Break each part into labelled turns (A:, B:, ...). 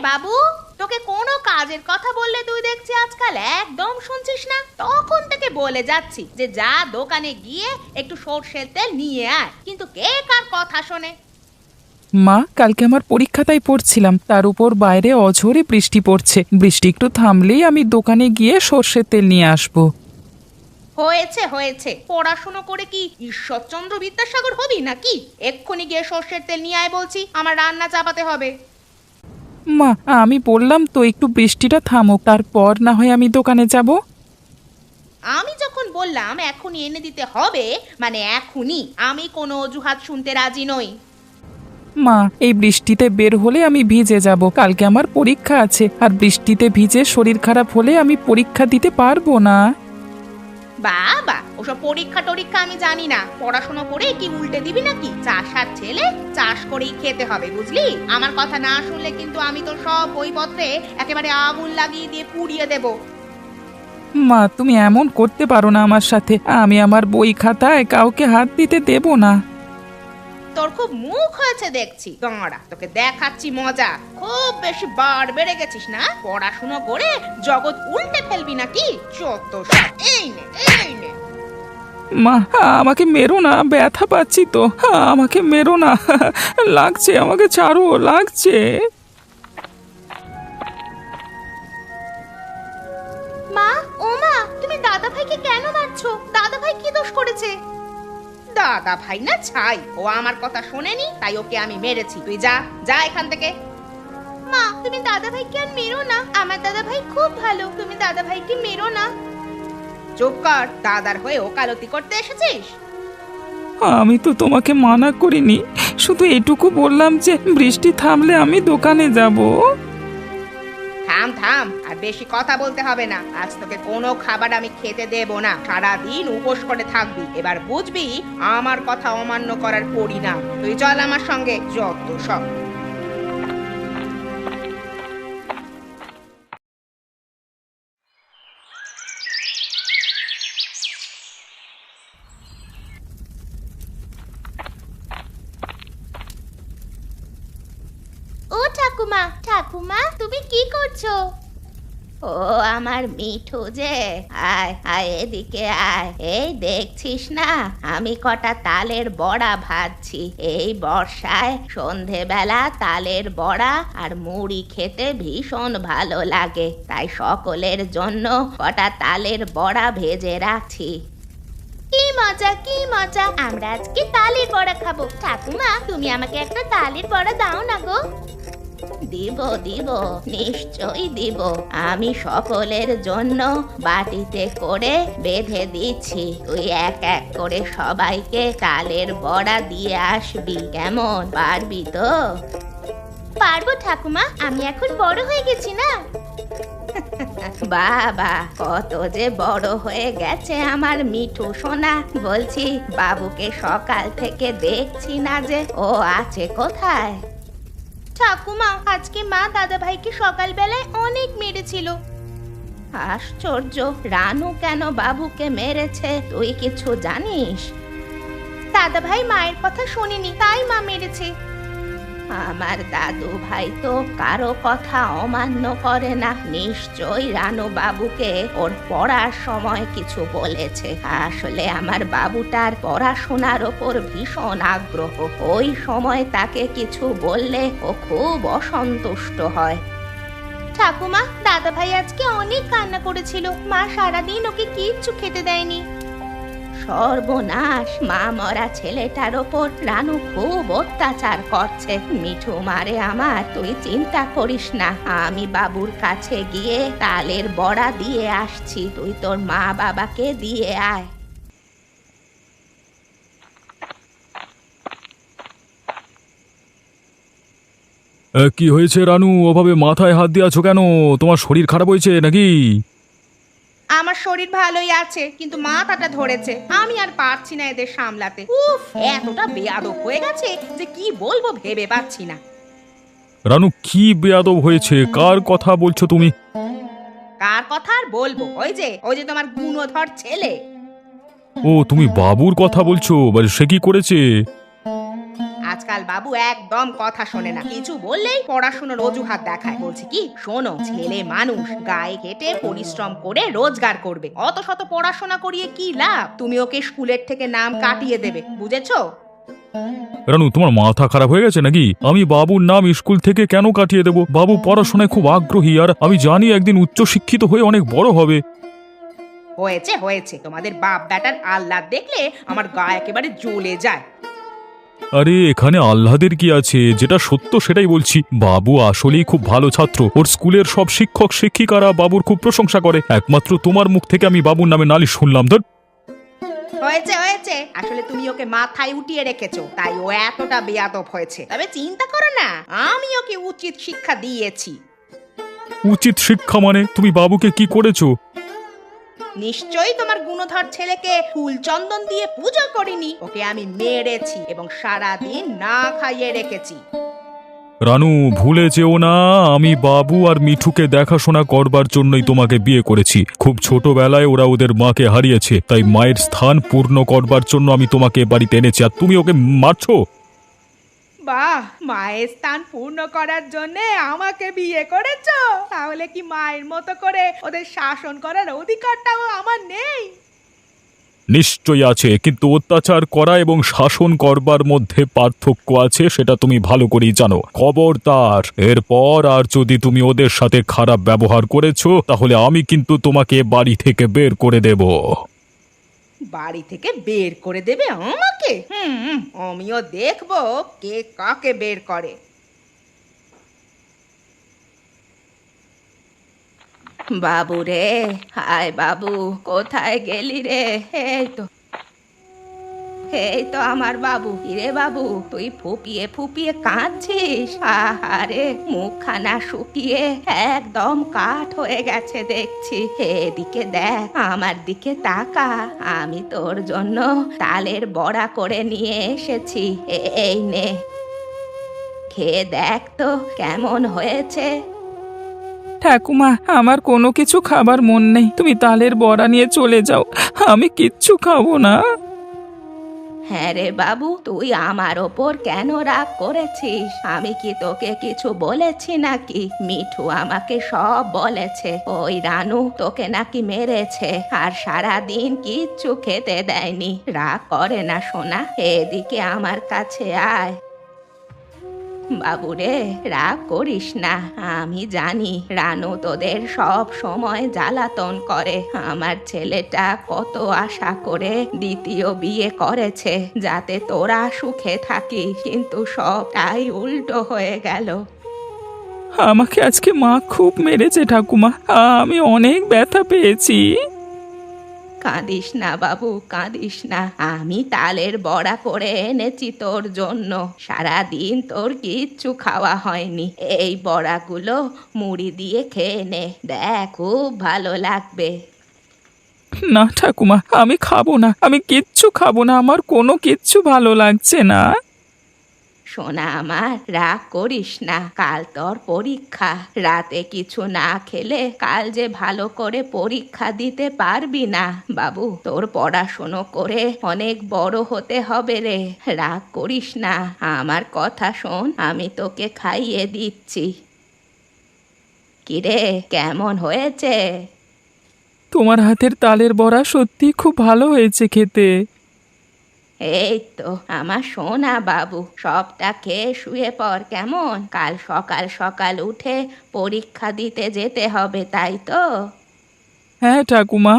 A: বাবু, তোকে কোনো কাজের কথা বললে তুই দেখছি আজকাল একদম শুনছিস না। তখন থেকে বলে যাচ্ছি যে যা দোকানে গিয়ে একটু সরষের তেল নিয়ে আয়, কিন্তু কে কার কথা শোনে।
B: মা, কালকে আমার পরীক্ষা তাই পড়ছিলাম, তার উপর বাইরে অঝোরে বৃষ্টি পড়ছে। বৃষ্টি একটু থামলেই আমি দোকানে গিয়ে সর্ষের তেল নিয়ে আসবো।
A: হয়েছে হয়েছে, পড়াশুনো করে কি ঈশ্বরচন্দ্র বিদ্যাসাগর হবি নাকি? এক্ষুনি গিয়ে সর্ষের তেল নিয়ে আয় বলছি, আমার রান্না চাপাতে হবে।
B: মা, আমি বললাম তো একটু বৃষ্টিটা থামুক, তারপর না হয় আমি দোকানে যাব।
A: আমি যখন বললাম এখনই এনে দিতে হবে, মানে এখনই, আমি কোনো অজুহাত শুনতে রাজি নই।
B: মা, এই বৃষ্টিতে বের হলে আমি ভিজে যাব। কালকে আমার পরীক্ষা আছে, আর বৃষ্টিতে ভিজে শরীর খারাপ হলে আমি পরীক্ষা দিতে পারবো না।
A: বাবা, ওসব পরীক্ষা টরীক্ষা আমি জানি না। পড়াশোনা করে কি উল্টে দিবি নাকি? চাষার ছেলে, চাষ করেই খেতে হবে, বুঝলি? আমার কথা না শুনলে কিন্তু আমি তো সব বইপত্রে একেবারে আগুন লাগিয়ে দিয়ে পুড়িয়ে দেব।
B: মা, তুমি এমন করতে পারো না আমার সাথে। আমি আমার বই খাতায় কাউকে হাত দিতে দেব না।
A: তোর খুব মুখ হয়েছে দেখছি, দাঁড়া তোকে দেখাচ্ছি মজা। খুব বেশি বার বেড়ে গেছিস না? পড়াশুনো করে জগৎ উল্টে ফেলবি নাকি? চত সব। এই নে, এই নে।
B: মা, আমাকে মেরো না, ব্যথা পাচ্ছি তো। আমাকে মেরো না, লাগছে, আমাকে ছাড়ো, লাগছে।
A: মা, ও মা, তুমি দাদা ভাইকে কেন মারছো? দাদা ভাই কি দোষ করেছে? দাদা ভাই না ছাই, ও আমার কথা শোনেনি, তাই ওকে আমি মেরেছি। তুই যা, যা এখান থেকে। মা, তুমি দাদা ভাইকে আর মেরো না। আমার দাদা ভাই খুব ভালো, তুমি দাদা ভাইকে মেরো না। চুপ কর, দাদার হয়ে ওকালতি করতে এসেছিস?
B: আমি তো তোমাকে মানা করিনি, শুধু এটুকু বললাম যে বৃষ্টি থামলে আমি দোকানে যাব।
A: থাম থাম, আর বেশি কথা বলতে হবে না। আজ তোকে কোনো খাবার আমি খেতে দেব না। সারাদিন উপোস করে থাকবি। এবার বুঝবি আমার কথা অমান্য করার পরিণাম। তুই চল আমার সঙ্গে, যত সব। ও ঠাকুমা, ঠাকুমা তুমি কি করছো? ও আমার মিঠু যে, আয় আয় এদিকে আয়। এই দেখছিস না, আমি কটা তালের বড়া ভাজছি। এই বর্ষায় সন্ধেবেলা তালের বড়া আর মুড়ি খেতে ভীষণ ভালো লাগে, তাই সকলের জন্য কটা তালের বড়া ভেজে রাখছি। কি মজা, কি মজা! আমরা আজকে তালের বড়া খাবো। ঠাকুমা, তুমি আমাকে একটা তালের বড়া দাও না গো। দিব দিব, নিশ্চয়ই দিব। আমি সকলের জন্য বাটিতে করে বেঁধে দিচ্ছি। তুই এক এক করে সবাইকে তালের বড়া দিয়ে আসবি, কেমন? পারবি তো? পারবো ঠাকুমা, আমি এখন বড় হয়ে গেছি না। বাবা, কত যে বড় হয়ে গেছে আমার মিঠু সোনা। বলছি, বাবুকে সকাল থেকে দেখছি না যে, ও আছে কোথায়? ঠাকুমা, আজকে মা দাদা ভাইকে সকালবেলায় অনেক মেরেছিল। আশ্চর্য, রানু কেন বাবুকে মেরেছে তুই কিছু জানিস? দাদা ভাই মায়ের কথা শোনেনি, তাই মা মেরেছে। আমার দাদু ভাই তো কারো কথা অমান্য করে না। নিশ্চয়ই রানু বাবুকে ওর পড়ার সময় কিছু বলেছে। আসলে আমার বাবুটার পড়াশোনার ওপর ভীষণ আগ্রহ। ওই সময় তাকে কিছু বললে ও খুব অসন্তুষ্ট হয়। ঠাকুমা, দাদা ভাই আজকে অনেক কান্না করেছিল। মা সারাদিন ওকে কিচ্ছু খেতে দেয়নি। সর্বনাশ, মা মরা ছেলেটার ওপর রানু খুব অত্যাচার করছে। মিঠু মারে আমার, তুই চিন্তা করিস না। আমি বাবুর কাছে গিয়ে তালের বড়া দিয়ে আসছি। তুই তোর মা বাবাকে দিয়ে আয়।
C: কি হয়েছে রানু, ওভাবে মাথায় হাত দিয়ে আছো কেন? তোমার শরীর খারাপ হয়েছে নাকি?
A: আমার শরীর ভালোই আছে, কিন্তু মাথাটা ধরেছে। আমি আর পারছি না এদের সামলাতে। উফ, এতটা বেয়াদব হয়ে গেছে যে কি বলবো ভেবে পাচ্ছি না।
C: রানু, কি বেয়াদব হয়েছে? কার কথা বলছো তুমি?
A: কার কথা আর বলবো? ওই যে তোমার গুণধর ছেলে।
C: ও, তুমি বাবুর কথা বলছো? সে কি করেছে?
A: আজকাল বাবু একদম কথা শোনে না, কিছু বললেই পড়াশোনার অজুহাত দেখায়। বলছি কি, শোনো, ছেলে মানুষ গায়ে কেটে পরিশ্রম করে রোজগার করবে, অত শত পড়াশোনা করিয়ে কি লাভ? তুমি ওকে স্কুলের থেকে নাম কাটিয়ে দেবে, বুঝেছো?
C: রানু, তোমার মাথা খারাপ হয়ে গেছে নাকি? আমি বাবুর নাম স্কুল থেকে কেন কাটিয়ে দেব? বাবু পড়াশোনায় খুব আগ্রহী, আর আমি জানি একদিন উচ্চশিক্ষিত হয়ে অনেক বড় হবে।
A: হয়েছে হয়েছে, তোমাদের বাপ বেটার আহ্লাদ দেখলে আমার গা একেবারে জ্বলে যায়।
C: আরে এখানে আহ্লাদের কি আছে? যেটা সত্য সেটাই বলছি। বাবু আসলেই খুব ভালো ছাত্র। ওর স্কুলের সব শিক্ষক শিক্ষিকারা বাবুর খুব প্রশংসা করে। একমাত্র তোমার মুখ থেকে আমি বাবুর নামে নালিশ শুনলাম। ধর,
A: হয়েছে হয়েছে, আসলে তুমি ওকে মাথায় উঠিয়ে রেখেছো, তাই ও এতটা বেয়াদব হয়েছে। তবে চিন্তা করো না, আমি ওকে উচিত শিক্ষা দিয়েছি।
C: উচিত শিক্ষা মানে? তুমি বাবুকে কি করেছো?
A: নিশ্চয়ই তোমার গুণধর ছেলেকে ফুল চন্দন দিয়ে পূজা করিনি। ওকে আমি মেরেছি এবং সারা দিন না খাইয়ে রেখেছি।
C: রানু, ভুলে যেও না, আমি বাবু আর মিঠুকে দেখাশোনা করবার জন্যই তোমাকে বিয়ে করেছি। খুব ছোটবেলায় ওরা ওদের মাকে হারিয়েছে, তাই মায়ের স্থান পূর্ণ করবার জন্য আমি তোমাকে বাড়িতে এনেছি, আর তুমি ওকে মারছো?
A: বাহ, মায়ের স্থান পূর্ণ করার জন্য আমাকে বিয়ে করেছো? তাহলে কি মায়ের মতো করে ওদের শাসন করার অধিকারটাও আমার নেই?
C: নিশ্চয়ই আছে, কিন্তু অত্যাচার করা এবং শাসন করবার মধ্যে পার্থক্য আছে, সেটা তুমি ভালো করেই জানো। খবরদার, এরপর আর যদি তুমি ওদের সাথে খারাপ ব্যবহার করেছো, তাহলে আমি কিন্তু তোমাকে বাড়ি থেকে বের করে দেব।
A: বাড়ি থেকে বের করে দেবে আমাকে? আমিও দেখবো কে কাকে বের করে। বাবু রে, হায় বাবু, কোথায় গেলি রে? এই তো আমার বাবু। রে বাবু, তুই ফুপিয়ে ফুপিয়ে কাঁদছিস? আহারে, মুখখানা শুকিয়ে একদম কাঠ হয়ে গেছে দেখছি। এদিকে দেখ, আমার দিকে তাকা, আমি তোর জন্য তালের বড়া করে নিয়ে এসেছি। এই নে, খেয়ে দেখ তো কেমন হয়েছে।
B: ঠাকুমা, আমার কোনো কিছু খাবার মন নেই, তুমি তালের বড়া নিয়ে চলে যাও, আমি কিচ্ছু খাবো না।
A: হ্যাঁ রে বাবু, তুই আমার ওপর কেন রাগ করেছিস? আমি কি তোকে কিছু বলেছি নাকি? মিঠু আমাকে সব বলেছে। ওই রানু তোকে নাকি মেরেছে, আর সারা দিন কিচ্ছু খেতে দেয়নি। রাগ করে না সোনা, এদিকে আমার কাছে আয়। বাবুরে, রাগ করিস না, আমি জানি রানু তোদের সব সময় জ্বালাতন করে। আমার ছেলেটা কত আশা করে দ্বিতীয় বিয়ে করেছে যাতে তোরা সুখে থাকিস, কিন্তু সবটাই উল্টো হয়ে গেল।
B: আমাকে আজকে মা খুব মেরেছে ঠাকুমা, আমি অনেক ব্যথা পেয়েছি।
A: কাঁদিস না বাবু, কাঁদিস না। আমি তালের বড়া করে এনেছি তোর জন্য। সারাদিন তোর কিচ্ছু খাওয়া হয়নি। এই বড়াগুলো মুড়ি দিয়ে খেয়ে নে, দেখ খুব ভালো লাগবে।
B: না ঠাকুমা, আমি খাবো না, আমি কিচ্ছু খাবো না, আমার কোনো কিচ্ছু ভালো লাগছে না।
A: সোনা আমার, রাগ করিস না, কাল তোর পরীক্ষা। রাতে কিছু না খেলে কাল যে ভালো করে পরীক্ষা দিতে পারবি না। বাবু, তোর পড়াশুনো করে অনেক বড় হতে হবে রে। রাগ করিস না, আমার কথা শোন, আমি তোকে খাইয়ে দিচ্ছি। কিরে, কেমন হয়েছে?
B: তোমার হাতের তালের বড়া সত্যি খুব ভালো হয়েছে খেতে।
A: এই তো আমার সোনা বাবু, সবটা খেয়ে শুয়ে পড় কেমন? কাল সকাল সকাল উঠে পরীক্ষা দিতে যেতে হবে, তাই তো?
B: হ্যাঁ ঠাকুমা।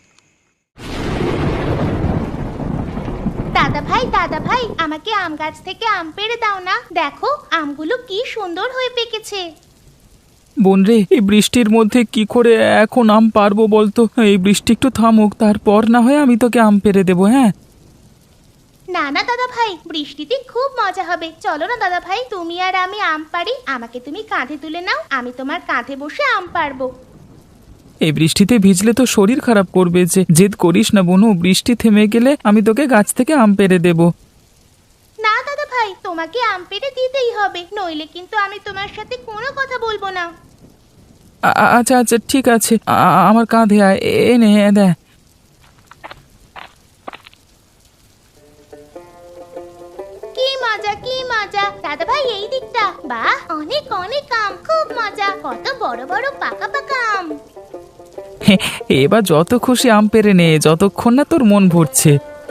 D: দাদা ভাই, আমাকে আম গাছ থেকে আম পেড়ে দাও না। দেখো, আমগুলো কি সুন্দর হয়ে পেকেছে।
B: বোন রে, এই বৃষ্টির মধ্যে কি করে এখন আম পারবো বলতো? এই বৃষ্টি একটু থামুক, তারপর না হয় আমি তোকে আম পেড়ে দেবো। হ্যাঁ,
D: না না দাদা ভাই, বৃষ্টিতে খুব মজা হবে। চলো না দাদা ভাই, তুমি আর আমি আম পারি। আমাকে তুমি কাঁধে তুলে নাও, আমি তোমার কাঁধে বসে আম পারবো।
B: এই বৃষ্টিতে ভিজলে তো শরীর খারাপ করবে। যে জেদ করিস না বোনু, বৃষ্টি থেমে গেলে আমি তোকে গাছ থেকে আম পেড়ে দেবো।
D: না দাদা ভাই, তোমাকে আম পেড়ে দিতেই হবে, নইলে কিন্তু আমি তোমার সাথে কোনো কথা বলবো না।
B: আচ্ছা আচ্ছা, ঠিক আছে, আমার কাঁধে আয়, এনে দে।
D: কি মা, মজা কি মজা! দাদা ভাই এই দিকটা, বাহ অনেক অনেক আম, খুব মজা, কত বড় বড় পাকা পাকা আম।
B: এবার যত খুশি আম পেরে নে, যতক্ষণ না তোর মন ভরছে।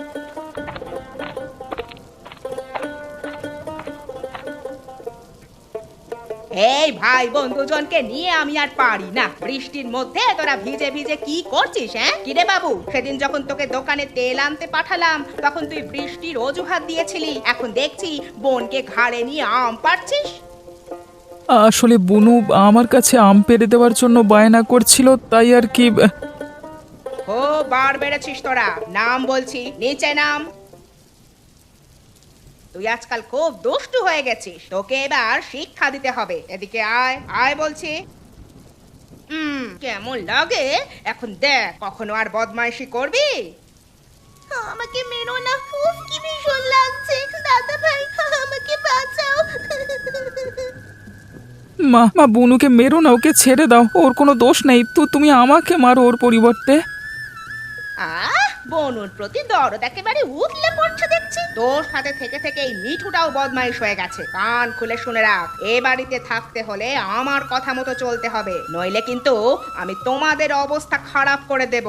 A: এই ভাই বোন দুজনকে নিয়ে আমি আর পারি না। বৃষ্টির মধ্যে তোরা ভিজে ভিজে কি করছিস? হ্যাঁ কিরে বাবু, সেদিন যখন তোকে দোকানে তেল আনতে পাঠালাম তখন তুই বৃষ্টির অজুহাত দিয়েছিলি, এখন দেখছি বোনকে ঘাড়ে নিয়ে আম পাড়ছিস।
B: আসলে বুনু আমার কাছে আম পেরে দেওয়ার জন্য বায়না করছিল, তাই আর কি।
A: ও বার বেড়েছিস তোরা, নাম বলছি, নিচে নাম। তুই আজকাল খুব দুষ্টু হয়ে গেছিস, তোকে এবার শিক্ষা দিতে হবে। এদিকে আয় আয় বলছি। কেমন লাগে এখন দেখ, কখনো আর বদমাইশি করবি?
D: আমাকে মেরো না, উফ কি ভীষণ লাগছে। দাদা ভাই আমাকে বাঁচাও।
B: মা মা বুনুকে মেরো না, ওকে ছেড়ে দাও, ওর কোনো দোষ নেই। তুমি আমাকে মারো ওর পরিবর্তে।
A: বনুর প্রতি দরদ একেবারে উতলে পড়ছে দেখছি। তোর সাথে থেকে থেকে এই মিঠুটাও বদমাইশ হয়ে গেছে। কান খুলে শুনে রাখ, এ বাড়িতে থাকতে হলে আমার কথা মতো চলতে হবে, নইলে কিন্তু আমি তোমাদের অবস্থা খারাপ করে দেব।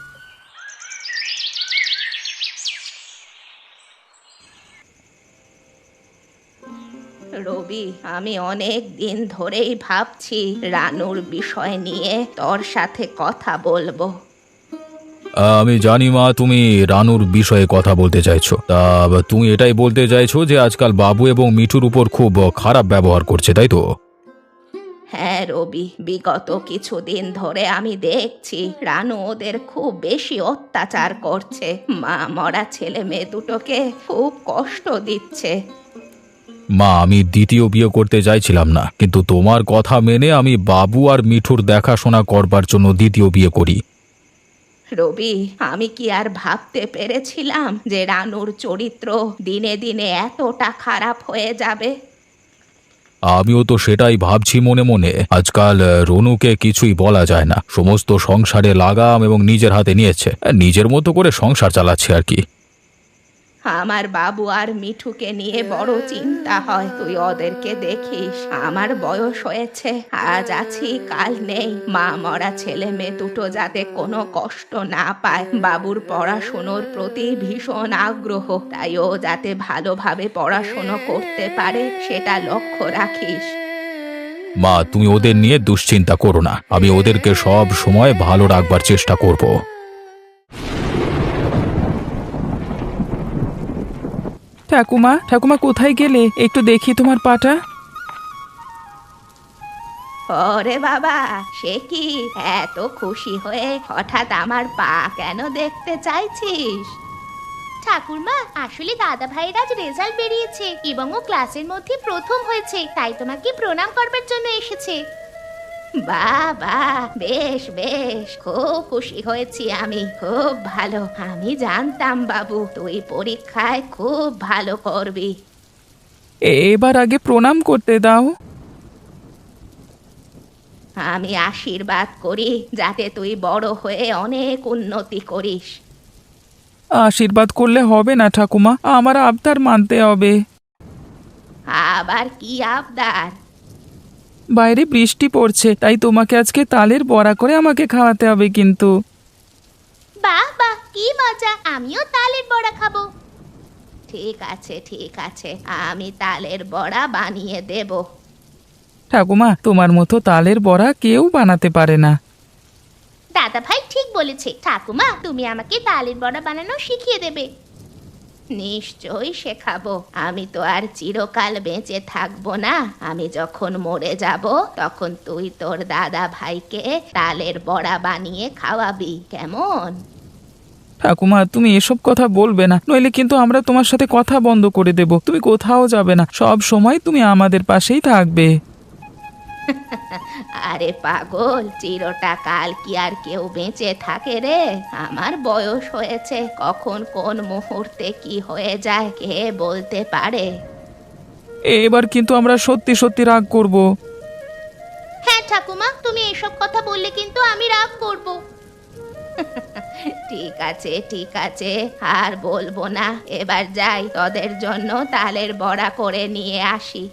A: রবি, আমি অনেক দিন ধরেই ভাবছি রানুর বিষয় নিয়ে তোর সাথে কথা বলবো।
C: আমি জানি মা, তুমি রানুর বিষয়ে কথা বলতে চাইছো। তা তুমি এটাই বলতে চাইছো যে আজকাল বাবু এবং মিঠুর উপর খুব খারাপ ব্যবহার করছে, তাই তো?
A: হ্যাঁ রবি, বিগত কিছুদিন ধরে আমি দেখছি রানু ওদের খুব বেশি অত্যাচার করছে। মা মরা ছেলে মেয়ে দুটোকে খুব কষ্ট দিচ্ছে।
C: মা, আমি দ্বিতীয় বিয়ে করতে চাইছিলাম না, কিন্তু তোমার কথা মেনে আমি বাবু আর মিঠুর দেখাশোনা করবার জন্য দ্বিতীয় বিয়ে করি।
A: রবি, আমি কি আর ভাবতে পেরেছিলাম যে রানুর চরিত্র দিনে দিনে এতটা খারাপ হয়ে যাবে?
C: আমিও তো সেটাই ভাবছি মনে মনে। আজকাল রনুকে কিছুই বলা যায় না, সমস্ত সংসারে লাগাম এবং নিজের হাতে নিয়েছে, নিজের মতো করে সংসার চালাচ্ছে আর কি।
A: আমার বাবু আর মিঠুকে নিয়ে বড় চিন্তা হয়। তুই ওদেরকে দেখিস, আমার বয়স হয়েছে, আজ আছি কাল নেই। মা মরা ছেলে মেয়ে দুটো যাতে কোনো কষ্ট না পায়। বাবুর পড়াশুনোর প্রতি ভীষণ আগ্রহ, তাই ও যাতে ভালোভাবে পড়াশুনো করতে পারে সেটা লক্ষ্য রাখিস।
C: মা, তুমি ওদের নিয়ে দুশ্চিন্তা করো না, আমি ওদেরকে সব সময় ভালো রাখবার চেষ্টা করব।
B: ঠাকুমা ঠাকুমা কোথায় গেলে? একটু দেখি তোমার পাটা।
A: ওরে বাবা, সে কি এত খুশি হয়ে হঠাৎ আমার পা কেন দেখতে চাইছিস?
D: ঠাকুরমা, আসলে দাদা ভাইয়ের আজ রেজাল্ট বেরিয়েছে এবং ও ক্লাসের মধ্যে প্রথম হয়েছে, তাই তোমাকে প্রণাম করবার জন্য এসেছে।
A: বাবা, বেশ বেশ, খুব খুশি হয়েছি আমি, খুব ভালো। আমি জানতাম বাবু তুই পরীক্ষায় খুব ভালো করবি।
B: এবার আগে প্রণাম করতে দাও।
A: আমি আশীর্বাদ করি যাতে তুই বড় হয়ে অনেক উন্নতি করিস।
B: আশীর্বাদ করলে হবে না ঠাকুমা, আমার আবদার মানতে হবে।
A: আবার কি আবদার?
B: বাইরে বৃষ্টি পড়ছে, তাই তোমাকে আজকে তালের বড়া করে আমাকে খাওয়াতে হবে কিন্তু।
D: বাহ বাহ কি মজা, আমিও তালের বড়া খাবো।
A: ঠিক আছে ঠিক আছে, আমি তালের বড়া বানিয়ে দেব।
B: ঠাকুমা, তোমার মতো তালের বড়া কেউ বানাতে পারে না।
D: দাদা ভাই ঠিক বলেছে। ঠাকুমা, তুমি আমাকে তালের বড়া বানানো শিখিয়ে দেবে।
A: নিশ্চয়ই শেখাবো। আমি তো আর চিরকাল বেঁচে থাকবো না। আমি যখন মরে যাব তখন তুই তোর দাদা ভাইকে তালের বড়া বানিয়ে খাওয়াবি, কেমন?
B: ঠাকুমা, তুমি এসব কথা বলবে না, নইলে কিন্তু আমরা তোমার সাথে কথা বন্ধ করে দেব। তুমি কোথাও যাবে না, সব সময় তুমি আমাদের পাশেই থাকবে।
A: আরে পাগল, চিরটা কাল কি আর কেউ বেঁচে থাকে রে? আমার বয়স হয়েছে, কখন কোন মুহূর্তে কি হয়ে যায় কে বলতে পারে?
B: এবার কিন্তু আমরা সত্যি সত্যি রাগ করব।
D: হ্যাঁ ঠাকুমা, তুমি এসব কথা বললে কিন্তু আমি রাগ করব।
A: ঠিক আছে ঠিক আছে, আর বলবো না। এবার যাই, তোদের জন্য তালের বড়া করে নিয়ে আসি।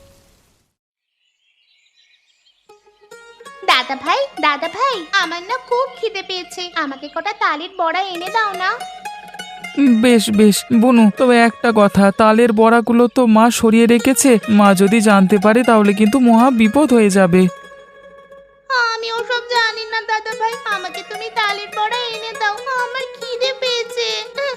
D: দাদা ভাই আমার না খুব খিদে পেয়েছে, আমাকে কটা তালের বড়া এনে দাও না।
B: বেশ বেশ বনু, তবে একটা কথা, তালের বড়াগুলো তো মা সরিয়ে রেখেছে। মা যদি জানতে পারে তাহলে কিন্তু মহা বিপদ হয়ে যাবে।
D: আমি ওসব জানি না দাদা ভাই, আমাকে তুমি তালের বড়া এনে দাও, আমার খিদে পেয়েছে।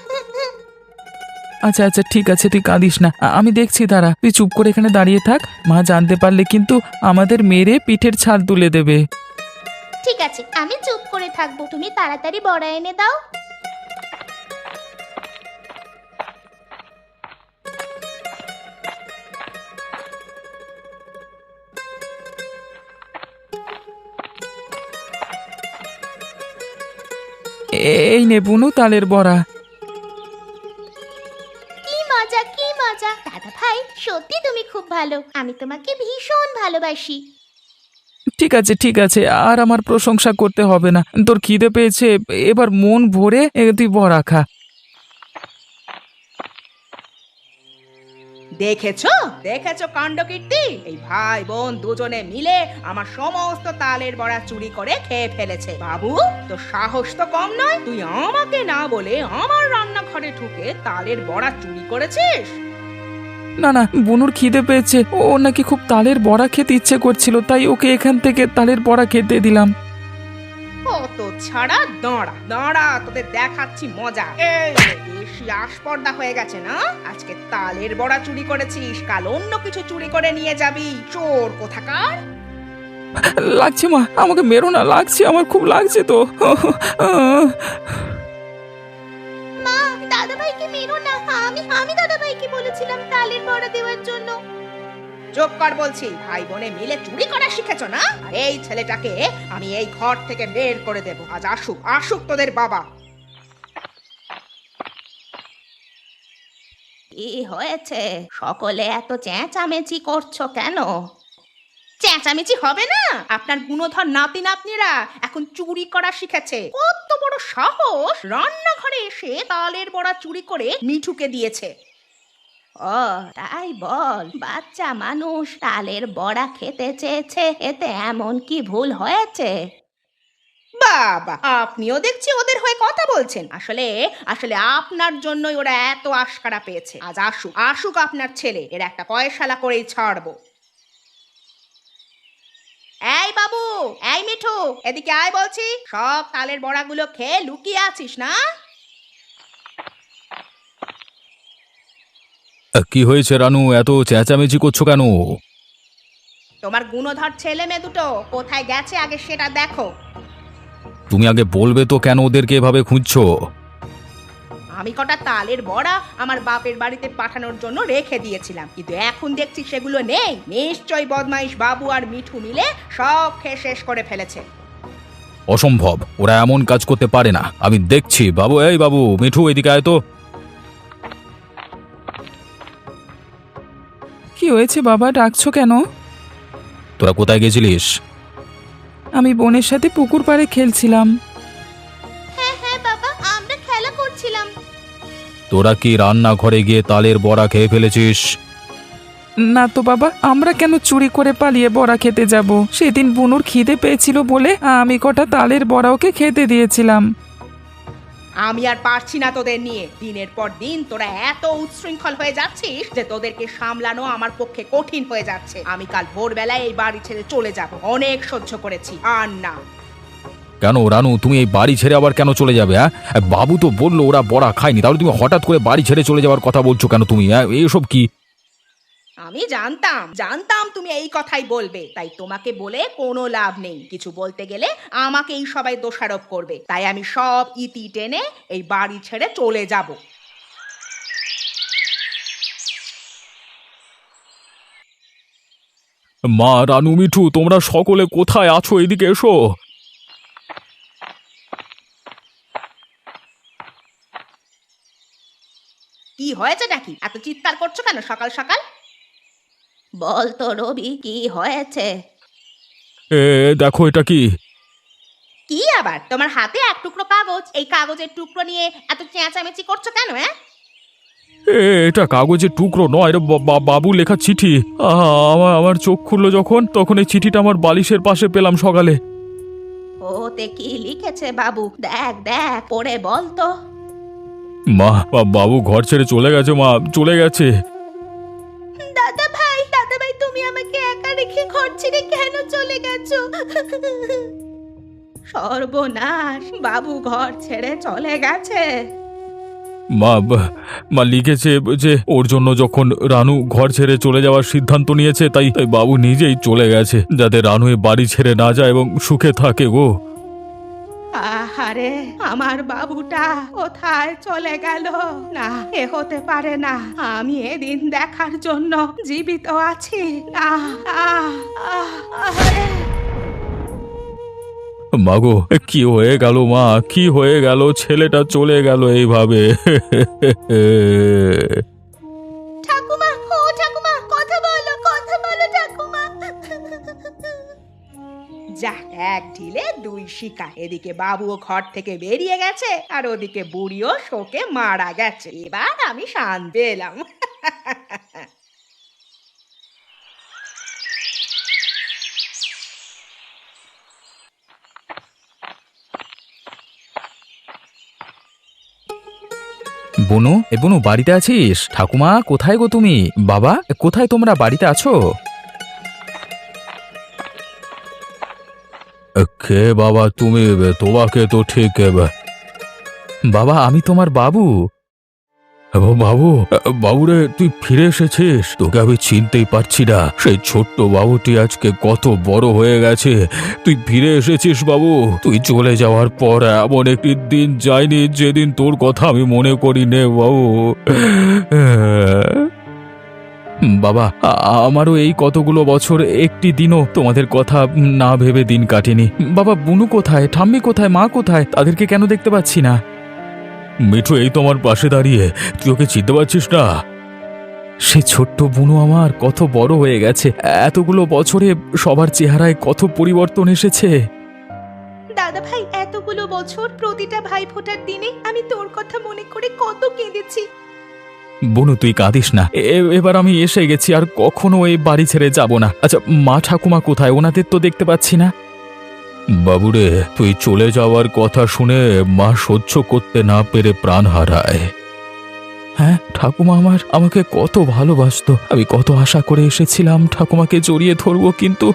B: আচ্ছা আচ্ছা ঠিক আছে, তুই কাঁদিস না, আমি দেখছি, দাঁড়া, তুই চুপ করে এখানে দাঁড়িয়ে থাক। মা জানতে পারলে কিন্তু আমাদের মেরে পিঠের ছাল তুলে দেবে।
D: ঠিক আছে, আমি চুপ করে থাকবো, তুমি তাড়াতাড়ি বড়া এনে দাও।
B: এই নে বুনু তালের বড়া।
D: কি মজা দাদা ভাই, সত্যি তুমি খুব ভালো, আমি তোমাকে ভীষণ ভালোবাসি।
B: ঠিক আছে ঠিক আছে, আর আমার প্রশংসা করতে হবে না। তোর খিদে পেয়েছে, এবার মন ভরে তুই বড়া খা।
E: দেখেছো দেখেছো কাণ্ডকীর্তি, এই ভাই বোন দুজনে মিলে আমার সমস্ত তালের বড়া চুরি করে খেয়ে ফেলেছে। বাবু, তোর সাহস তো কম নয়, তুই আমাকে না বলে আমার রান্নাঘরে ঢুকে তালের বড়া চুরি করেছিস।
B: না না, বুনুর খিদে পেয়েছে, ও নাকি খুব তালের বড়া খেতে ইচ্ছে করছিল, তাই ওকে এখান থেকে তালের বড়া খেতে দিলাম।
E: কত ছাড়া, দাঁড়া দাঁড়া, তোদের দেখাচ্ছি মজা। এই বেশি আস্পর্ধা হয়ে গেছে না? আজকে তালের বড়া চুরি করেছিস, কাল অন্য কিছু চুরি করে নিয়ে যাবি, চোর কোথাকার।
B: লাগছে মা, আমাকে মেরো না, লাগছে, আমার খুব লাগছে তো।
D: মা, দাদা ভাইকে মেরো না, আমি দাদা ভাইকে বলেছিলাম তালের বড়া দেওয়ার জন্য।
E: চুপ কর বলছি, ভাই বোনে মিলে চুরি করা শিখেছো না? আর এই ছেলেটাকে আমি এই ঘর থেকে বের করে দেব। আজ আসুক আসুক তোদের বাবা।
A: কি হয়েছে? সকলে এত চেঁচামেচি করছো কেন?
E: চেঁচামেচি হবে না? আপনার গুণধর নাতি নাতনিরা এখন চুরি করা শিখেছে। কত বড় সাহস, রান্নাঘরে এসে তালের বড়া চুরি করে মিঠুকে দিয়েছে।
A: ও তাই বল, বাচ্চা মানুষ তালের বড়া খেতে চেয়েছে, এতে এমন কি ভুল হয়েছে?
E: বাবা, আপনিও দেখছি ওদের হয়ে কথা বলছেন। আসলে আসলে আপনার জন্যই ওরা এত আশকারা পেয়েছে। আজ আসুক আসুক আপনার ছেলে, এর একটা পয়সালা করেই ছাড়বো। এই বাবু, এই মিঠু, এদিকে আয় বলছি। সব তালের বড়াগুলো খেয়ে লুকিয়ে আছিস না?
C: কি হয়েছে রানু, এত চেঁচামেচি করছো কেন?
E: তোমার গুণধর ছেলে মেয়ে দুটো কোথায় গেছে আগে সেটা দেখো।
C: তুমি আগে বলবে তো কেন ওদেরকে এভাবে খুঁজছো?
E: আমি কটা তালের বড়া আমার বাপের বাড়িতে পাঠানোর জন্য রেখে দিয়েছিলাম, কিন্তু এখন দেখছি সেগুলো নেই। নিশ্চয়ই বদমাইশ বাবু আর মিঠু মিলে সব খেয়ে শেষ করে ফেলেছে।
C: অসম্ভব, ওরা এমন কাজ করতে পারে না, আমি দেখছি। বাবু, এই বাবু, মিঠু এদিকে আয় তো।
B: কি হয়েছে বাবা, ডাকছো কেন?
C: তোরা কোথায় গেছিলিস?
B: আমি বোনের সাথে পুকুর পাড়ে খেলছিলাম।
D: হ্যাঁ হ্যাঁ বাবা, আমরা খেলা করছিলাম।
C: তোরা কি রান্নাঘরে গিয়ে তালের বড়া খেয়ে ফেলেছিস?
B: না তো বাবা, আমরা কেন চুরি করে পালিয়ে বড়া খেতে যাব? সেদিন বুনুর খিদে পেয়েছিল বলে আমি কটা তালের বড়া ওকে খেতে দিয়েছিলাম।
E: আমি আর পারছি না তোদের নিয়ে। দিনের পর দিন তোরা এত উচ্ছৃঙ্খল হয়ে যাচ্ছিস যে তোদেরকে সামলানো আমার পক্ষে কঠিন হয়ে যাচ্ছে। আমি কাল ভোরবেলায় এই বাড়ি ছেড়ে চলে যাব। অনেক সহ্য করেছি, আর না।
C: কেন রানু, তুমি এই বাড়ি ছেড়ে আবার কেন চলে যাবে? হ্যাঁ, বাবু তো বললো ওরা বড়া খায়নি, তাহলে তুমি হঠাৎ করে বাড়ি ছেড়ে চলে যাওয়ার কথা বলছো কেন তুমি? এইসব কি?
E: আমি জানতাম তুমি এই কথাই বলবে, তাই তোমাকে বলে কোনো লাভ নেই। কিছু বলতে গেলে আমাকেই সবাই দোষারোপ করবে, তাই আমি সব ইতি টেনে এই বাড়ি ছেড়ে চলে যাব।
C: মা, রানু, মিঠু, তোমরা সকলে কোথায় আছো? এদিকে এসো।
E: কি হয়েছে নাকি? এত চিৎকার করছো কেন সকাল সকাল?
A: বল তো রবি, কি হয়েছে?
C: দেখো এটা কি?
D: কি আবার তোমার হাতে এক টুকরো কাগজ, এই কাগজের টুকরো নিয়ে এত চেঁচামেচি করছো কেন?
C: এটা কাগজের টুকরো নয় রে, বাবু লেখা চিঠি। আমার চোখ খুললো যখন, তখন এই চিঠিটা আমার বালিশের পাশে পেলাম সকালে।
A: ওতে কি লিখেছে বাবু? দেখ দেখ, পড়ে বল তো।
C: মা, বাবু ঘর ছেড়ে চলে গেছে, মা চলে গেছে।
D: দাদা ভাই তুমি আমাকে একা রেখে ঘর ছেড়ে কেন চলে গেছো?
A: সর্বনাশ, বাবু ঘর ছেড়ে চলে গেছে।
C: মা লিখেছে যে ওর জন্য যখন রানু ঘর ছেড়ে চলে যাওয়ার সিদ্ধান্ত নিয়েছে, তাই বাবু নিজেই চলে গেছে, যাতে রানু এ বাড়ি ছেড়ে না যায় এবং সুখে থাকে গো।
A: আহারে, আমার বাবুটা কোথায় চলে গেল? না, এ হতে পারে না। আমি এদিন দেখার জন্য জীবিত আছি। না, আহারে।
C: মাগো, কি হয়ে গেল মা, কি হয়ে গেল? ছেলেটা চলে গেল এইভাবে।
D: ঠাকুমা, ও ঠাকুমা, কথা বলো ঠাকুমা।
E: যা, এক ঢিলে দুই শিকার। এদিকে বাবুও ঘর থেকে বেরিয়ে গেছে, আর ওদিকে বুড়িও শোকে মারা গেছে। এবার আমি শান্তি পেলাম।
B: বনু, বনু বাড়িতে আছিস? ঠাকুমা কোথায় গো তুমি? বাবা কোথায়, তোমরা বাড়িতে আছো?
C: কে বাবা তুমি? তোমাকে তো ঠিক
B: বাবা আমি তোমার বাবু।
C: বাবু, বাবুরে তুই ফিরে এসেছিস? তোকে আমি চিনতেই পারছি না। সেই ছোট্ট বাবুটি আজকে কত বড় হয়ে গেছে। তুই ফিরে এসেছিস বাবু। তুই চলে যাওয়ার পর এমন একটি দিন যায়নি যেদিন তোর কথা আমি মনে করি নে বাবু।
B: বাবা আমারও এই কতগুলো বছর একটি দিনও তোমাদের কথা না ভেবে দিন কাটেনি। বাবা বুনু কোথায়, ঠাম্মি কোথায়, মা কোথায়? তাদেরকে কেন দেখতে পাচ্ছি না?
C: মিঠু এই তোমার পাশে দাঁড়িয়ে, তুই ওকে চিনতে পারছিস না?
B: সে ছোট্ট বুনু আমার কত বড় হয়ে গেছে। এতগুলো বছরে সবার চেহারায় কত পরিবর্তন এসেছে।
D: দাদা ভাই, এতগুলো বছর প্রতিটা ভাই ফোটার দিনে আমি তোর কথা মনে করে কত কেঁদেছি।
B: বনু তুই কাঁদিস না, এবার আমি এসে গেছি, আর কখনো এই বাড়ি ছেড়ে যাব না। আচ্ছা মা ঠাকুমা কোথায়? ওনাদের তো দেখতে পাচ্ছি না।
C: বাবুরে, তুই চলে যাওয়ার কথা শুনে মা সহ্য করতে না পেরে প্রাণ হারায়।
B: হ্যাঁ, ঠাকুমা আমাকে কত ভালোবাসতো। আমি কত আশা করে এসেছিলাম ঠাকুমাকে জড়িয়ে ধরবো, কিন্তু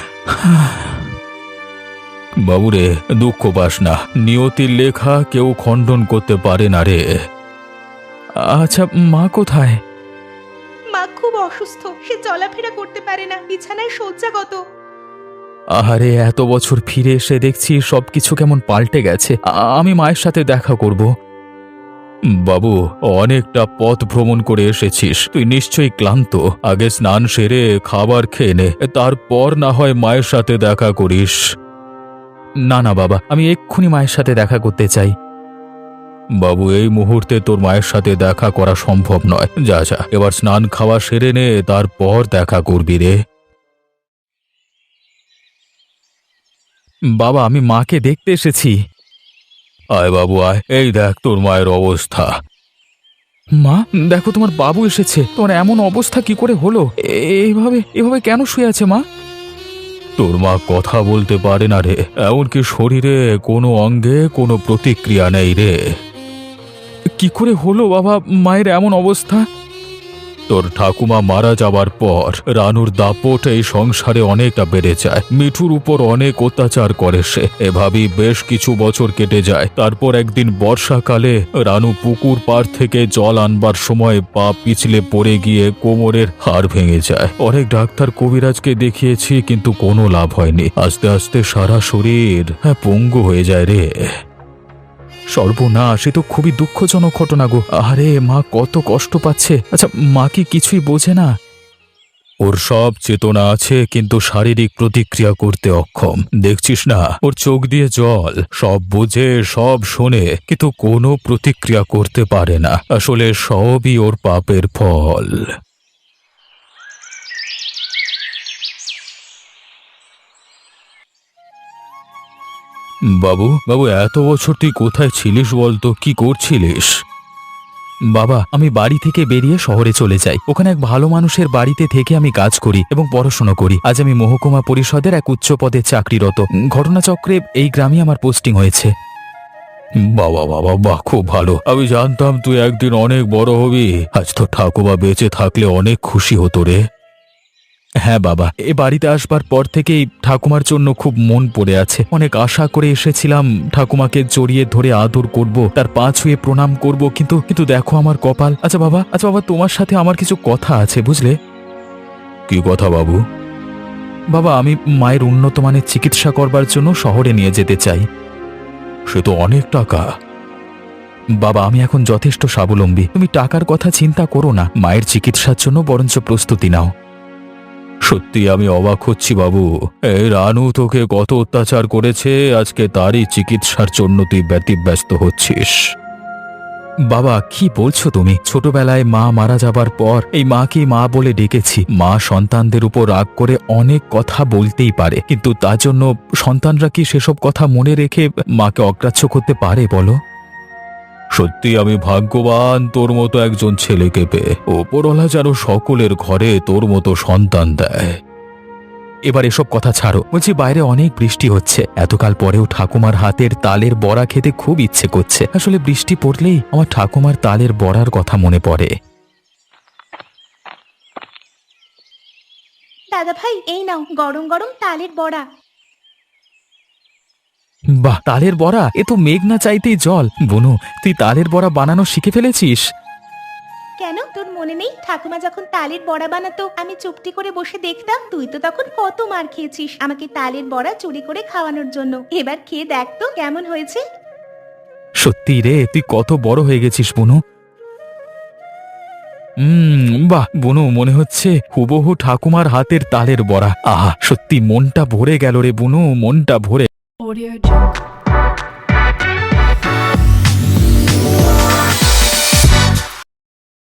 C: বাবুরে, দুঃখ পাস না। নিয়তির লেখা কেউ খণ্ডন করতে পারে না রে।
B: আচ্ছা মা কোথায়?
D: মা খুব অসুস্থ, সে চলাফেরা করতে পারে না, বিছানায় শয্যাগত।
B: আহারে, এত বছর ফিরে এসে দেখছি সবকিছু কেমন পাল্টে গেছে। আমি মায়ের সাথে দেখা করব।
C: বাবু, অনেকটা পথ ভ্রমণ করে এসেছিস, তুই নিশ্চয়ই ক্লান্ত। আগে স্নান সেরে খাবার খেয়ে নে, তারপর না হয় মায়ের সাথে দেখা করিস।
B: না না বাবা, আমি এক্ষুনি মায়ের সাথে দেখা করতে চাই।
C: বাবু, এই মুহূর্তে তোর মায়ের সাথে দেখা করা সম্ভব নয়। যা যা, এবার স্নান খাওয়া সেরে নে, তারপর দেখা করবি রে।
B: বাবা আমি মাকে দেখতে এসেছি।
C: আয় বাবু আয়, এই দেখ তোর মায়ের অবস্থা।
B: মা দেখো, তোমার বাবু এসেছে। তোমার এমন অবস্থা কি করে হলো? এইভাবে এভাবে কেন শুয়ে আছে মা?
C: তোর মা কথা বলতে পারে না রে, এমনকি শরীরে কোনো অঙ্গে কোনো প্রতিক্রিয়া নেই রে।
B: কি করে হলো বাবা মায়ের এমন অবস্থা?
C: তোর ঠাকুমা মারা যাবার পর রানুর দাপট এই সংসারে অনেকটা বেড়ে যায়। মিঠুর উপর অনেক অত্যাচার করে সে। এভাবেই বেশ কিছু বছর কেটে যায়। তারপর একদিন বর্ষাকালে রানু পুকুর পাড় থেকে জল আনবার সময় পা পিছলে পড়ে গিয়ে কোমরের হাড় ভেঙে যায়। অনেক ডাক্তার কবিরাজকে দেখিয়েছি, কিন্তু কোনো লাভ হয়নি। আস্তে আস্তে সারা শরীর পঙ্গু হয়ে যায় রে।
B: সর্বনাশ, এ তো খুবই দুঃখজনক ঘটনা গো। আরে মা কত কষ্ট পাচ্ছে। আচ্ছা মা কি কিছুই বোঝে না?
C: ওর সব চেতনা আছে, কিন্তু শারীরিক প্রতিক্রিয়া করতে অক্ষম। দেখছিস না, ওর চোখ দিয়ে জল। সব বোঝে, সব শোনে, কিন্তু কোনো প্রতিক্রিয়া করতে পারে না। আসলে সবই ওর পাপের ফল।
B: বাবু বাবু, এত বছর তুই কোথায় ছিলিস বলতো? কি করছিলিস? বাবা, আমি বাড়ি থেকে বেরিয়ে শহরে চলে যাই। ওখানে এক ভালো মানুষের বাড়িতে থেকে আমি কাজ করি এবং পড়াশোনা করি। আজ আমি মহকুমা পরিষদের এক উচ্চ পদে চাকরিরত। ঘটনাচক্রে এই গ্রামে আমার পোস্টিং হয়েছে।
C: বাবা বাবা, বাহ, খুব ভালো। আমি জানতাম তুই একদিন অনেক বড় হবি। আজ তো ঠাকুমা বেঁচে থাকলে অনেক খুশি হতো রে।
B: হ্যাঁ বাবা, এ বাড়িতে আসবার পর থেকেই ঠাকুমার জন্য খুব মন পড়ে আছে। অনেক আশা করে এসেছিলাম ঠাকুমাকে জড়িয়ে ধরে আদর করব, তার পা ছুঁয়ে প্রণাম করব, কিন্তু দেখো আমার কপাল। আচ্ছা বাবা, তোমার সাথে আমার কিছু কথা আছে, বুঝলে?
C: কি কথা বাবু?
B: বাবা, আমি মায়ের উন্নত মানের চিকিৎসা করবার জন্য শহরে নিয়ে যেতে চাই।
C: সে তো অনেক টাকা।
B: বাবা, আমি এখন যথেষ্ট স্বাবলম্বী। তুমি টাকার কথা চিন্তা করো না, মায়ের চিকিৎসার জন্য বরঞ্চ প্রস্তুতি নাও।
C: সত্যি আমি অবাক হচ্ছি বাবু। এই রানু তোকে কত অত্যাচার করেছে, আজকে তারই চিকিৎসার জন্য তুই ব্যতিব্যস্ত হচ্ছিস।
B: বাবা, কি বলছো তুমি? ছোটবেলায় মা মারা যাবার পর এই মাকে মা বলে ডেকেছি। মা সন্তানদের উপর রাগ করে অনেক কথা বলতেই পারে, কিন্তু তার জন্য সন্তানরা কি সেসব কথা মনে রেখে মাকে অগ্রাহ্য করতে পারে বলো?
C: সত্যি আমি ভাগ্যবান তোর মতো একজন ছেলেকে পেয়ে। ওপরওয়ালা যেন সকলের ঘরে তোর মতো সন্তান দেয়।
B: এবার এসব কথা ছাড়ো, বলছি বাইরে অনেক বৃষ্টি হচ্ছে। এতকাল পরেও ঠাকুমার হাতের তালের বড়া খেতে খুব ইচ্ছে করছে। আসলে বৃষ্টি পড়লেই আমার ঠাকুমার তালের বড়ার কথা মনে পড়ে।
D: দাদা ভাই, এই নাও গরম গরম তালের বড়া।
B: বাহ, তালের বড়া! এ তো মেঘ না চাইতেই জল। বুনু, তুই তালের বড়া বানানো শিখে ফেলেছিস?
D: কেন, তোর মনে নেই ঠাকুমা যখন তালের বড়া বানাতো আমি চুপটি করে বসে দেখতাম? তুই তো তখন কত মার খেয়েছিস আমাকে তালের বড়া চুরি করে খাওয়ানোর জন্য। এবার খেয়ে দেখ তো কেমন হয়েছে।
B: সত্যি রে, তুই কত বড় হয়ে গেছিস বুনু। বাহ বুনু, মনে হচ্ছে হুবহু ঠাকুমার হাতের তালের বড়া। আহা, সত্যি মনটা ভরে গেল রে বুনু, মনটা ভরে।
F: Audio Jungle.